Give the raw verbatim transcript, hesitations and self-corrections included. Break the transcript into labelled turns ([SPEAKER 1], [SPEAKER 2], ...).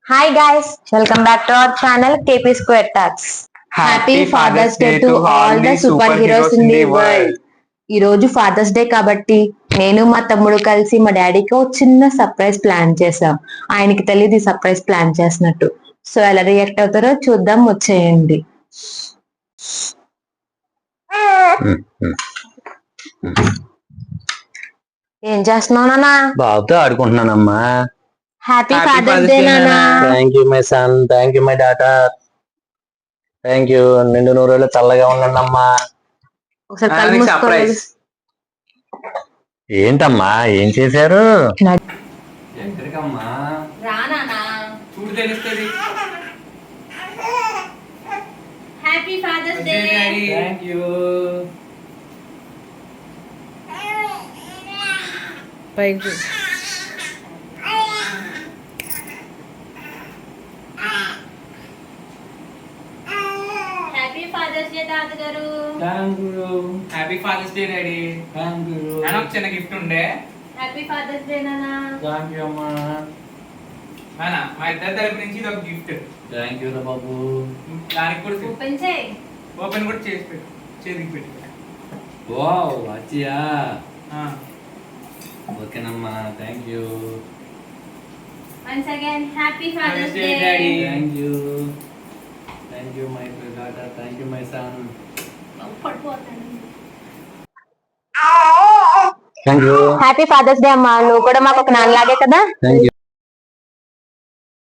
[SPEAKER 1] Hi guys, welcome back to our channel K P Square Talks. Happy Father's Day to all the superheroes in the world. ఈ రోజు fathers day కాబట్టి నేను మా తమ్ముడు కలిసి మా డాడీకి ఒక చిన్న సర్ప్రైజ్ ప్లాన్ చేసాం. ఆయనకి తెలియదు సర్ప్రైజ్ ప్లాన్ చేసినట్టు. సో ఎలా రియాక్ట్ అవుతారో చూద్దాం, వచ్చేయండి. ఏం చేస్తున్నావు నాన్న?
[SPEAKER 2] బాబుతో ఆడుకుంటున్నానమ్మా.
[SPEAKER 1] హ్యాపీ ఫాదర్స్ డే నాన్న.
[SPEAKER 2] Thank you my son, thank you my daughter, thank you. నిండు నూరేళ్ళు చల్లగా ఉండండి అమ్మా.
[SPEAKER 1] ఒకసారి కళ్ళు మూసుకోవాలి.
[SPEAKER 2] ఏంటమ్మా ఏం చేశారు?
[SPEAKER 3] ఎక్కడికమ్మా?
[SPEAKER 1] రా నాన్న.
[SPEAKER 3] చూడు తెలుస్తుంది.
[SPEAKER 1] Happy father's day.
[SPEAKER 3] Thank you.
[SPEAKER 1] పైకి హ్యాపీ ఫాదర్స్ డే తాతగారు.
[SPEAKER 3] Thank you. Happy father's day daddy. Thank you. నాకు ఒక చిన్న గిఫ్ట్ ఉండే.
[SPEAKER 1] హ్యాపీ ఫాదర్స్ డే నాన్న.
[SPEAKER 3] థ్యాంక్ యూ అమ్మా. నాన్న మా ఇద్దరి తరపు నుంచి ఇది ఒక గిఫ్ట్. థ్యాంక్ యూ రా బాబు. దానికి కూడా
[SPEAKER 1] ఓపెన్ చేయి.
[SPEAKER 3] ఓపెన్ కూడా చేసి పెట్టు, చేతికి పెట్టు.
[SPEAKER 4] వావ్ అచ్చియా.
[SPEAKER 3] ఆ
[SPEAKER 4] ఓకేనమ్మా, thank you.
[SPEAKER 1] Once again happy father's day
[SPEAKER 3] daddy.
[SPEAKER 4] Thank you. Thank you my daughter, thank you my son.
[SPEAKER 2] Thank you.
[SPEAKER 1] Happy father's day అమ్మా. నువ్వు కూడా మాకు ఒక నాన్నలాగే కదా.
[SPEAKER 2] Thank you.